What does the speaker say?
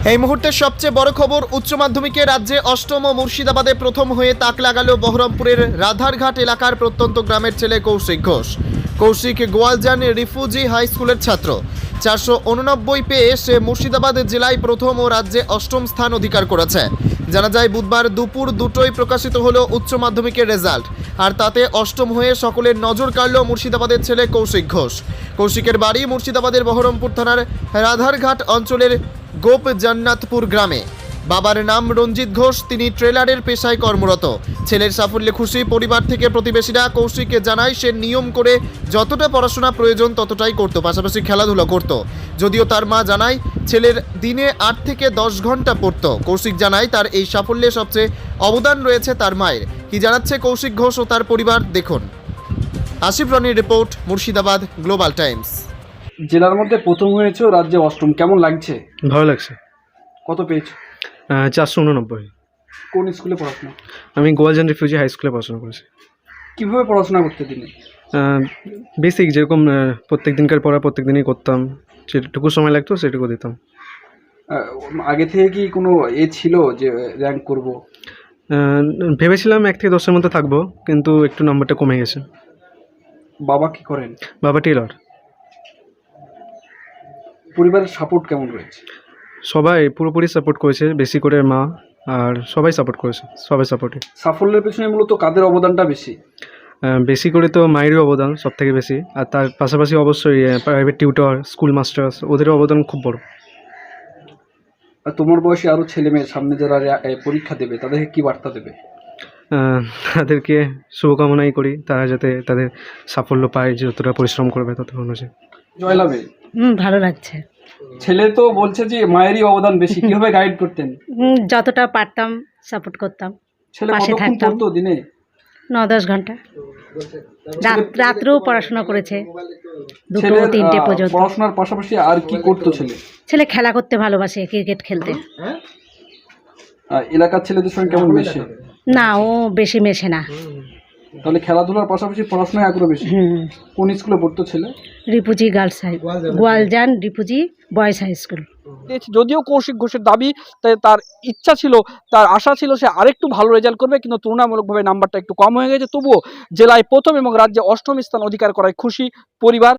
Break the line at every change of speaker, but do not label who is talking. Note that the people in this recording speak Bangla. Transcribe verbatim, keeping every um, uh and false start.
এই মুহূর্তের সবচেয়ে বড় খবর, উচ্চ মাধ্যমিকে রাজ্যে অষ্টম ও মুর্শিদাবাদে প্রথম হয়ে তাক লাগালো বহরমপুরের রাধারঘাট এলাকার প্রত্যন্ত গ্রামের ছেলে কৌশিক ঘোষ। কৌশিক গোয়ালজান রিফিউজি হাই স্কুলের ছাত্র। চারশো উননব্বই পেয়ে সে মুর্শিদাবাদ জেলায় প্রথম ও রাজ্যে অষ্টম স্থান অধিকার করেছে। জানা যায় বুধবার দুপুর দুটোই প্রকাশিত হলো উচ্চ মাধ্যমিকের রেজাল্ট, আর তাতে অষ্টম হয়ে সকলের নজর কাড়ল মুর্শিদাবাদের ছেলে কৌশিক ঘোষ। কৌশিকের বাড়ি মুর্শিদাবাদের বহরমপুর থানার রাধারঘাট অঞ্চলের গোপ জান্নাতপুর গ্রামে। বাবার নাম রঞ্জিত ঘোষ, তিনি ট্রেলারের পেশায় কর্মরত। ছেলের সাফল্যে খুশি পরিবার থেকে প্রতিবেশীরা। কৌশিককে জানায় সে নিয়ম করে যতটা পড়াশোনা প্রয়োজন ততটাই করত, পাশাপাশি খেলাধুলা করত। যদিও তার মা জানায় ছেলের দিনে আট থেকে দশ ঘন্টা পড়ত। কৌশিক জানায় তার এই সাফল্যে সবচেয়ে অবদান রয়েছে তার মায়ের। কি জানাচ্ছে কৌশিক ঘোষ ও তার পরিবার, দেখুন। আসিফ রনির রিপোর্ট, মুর্শিদাবাদ গ্লোবাল টাইমস।
জেলার মধ্যে প্রথম হয়েছে, রাজ্যে অষ্টম, কেমন লাগছে?
ভালো লাগছে।
কত পেয়েছো?
চারশো উননব্বই।
কোন স্কুলে পড়াশোনা?
আমি গোয়ালজান রিফিউজি হাই স্কুলে পড়াশোনা করেছি।
কিভাবে পড়াশোনা করতে দিনে?
বেসিক যেরকম প্রত্যেক দিনকার পড়া প্রত্যেক দিনই করতাম, যেটুকু সময় লাগতো সেটুকু দিতাম।
আহ, আগে থেকে কি কোনো এ ছিল যে র্যাঙ্ক করব?
ভেবেছিলাম এক থেকে দশের মধ্যে থাকবো, কিন্তু একটু নাম্বারটা কমে গেছে।
বাবা কি করেন?
বাবা টেলর।
পরিবারের সাপোর্ট কেমন রয়েছে?
সবাই পুরোপুরি সাপোর্ট করেছে, বেশি করে মা আর সবাই সাপোর্ট করেছে, সবাই সাপোর্টিভ।
সাফল্যের পেছনে মূলত কাদের অবদানটা বেশি?
বেশি করে তো মায়েরই অবদান সব থেকে বেশি, আর তার পাশাপাশি অবশ্যই প্রাইভেট টিউটর, স্কুল মাস্টার, ওদেরও অবদান খুব বড়।
আর তোমার বয়সী আরও ছেলে মেয়ে সামনে যারা এ, পরীক্ষা দেবে তাদেরকে কি বার্তা দেবে?
তাদেরকে শুভকামনাই করি, তারা যাতে তাদের সাফল্য পায়, যতটা পরিশ্রম করবে তত অনুযায়ী।
জয়লাভে
হুম, ভালো লাগছে।
ছেলে তো বলছে যে মায়েরই অবদান বেশি, কিভাবে গাইড করতেন?
হুম, যতটা পারতাম সাপোর্ট করতাম।
ছেলে
পাশে
কতক্ষণ
থাকতাম।
পড়তো দিনে?
ন দশ ঘন্টা। রাত রাত্রেও পড়াশোনা করেছে, দুটো
ছেলের
তিনটে
আহ,
পর্যন্ত।
পড়াশোনার পাশাপাশি আর কি করতো ছেলে?
ছেলে খেলা করতে ভালোবাসে, ক্রিকেট খেলতে।
আহ, এলাকার ছেলেদের সঙ্গে কেমন মেশে?
না, ও বেশি মেশে না।
তাহলে খেলাধুলার পাশাপাশি পড়াশোনায় আগ্রহ বেশি।
হুম,
কোন স্কুলে পড়তো ছেলে?
Refugee girls high, Goaljan refugee boys high school.
যদিও কৌশিক ঘোষের দাবি, তাই তার ইচ্ছা ছিল, তার আশা ছিল সে আরেকটু ভালো রেজাল্ট করবে, কিন্তু তুলনামূলকভাবে নাম্বারটা একটু কম হয়ে গেছে। তবুও জেলায় প্রথম এবং রাজ্যে অষ্টম স্থান অধিকার করায় খুশি পরিবার।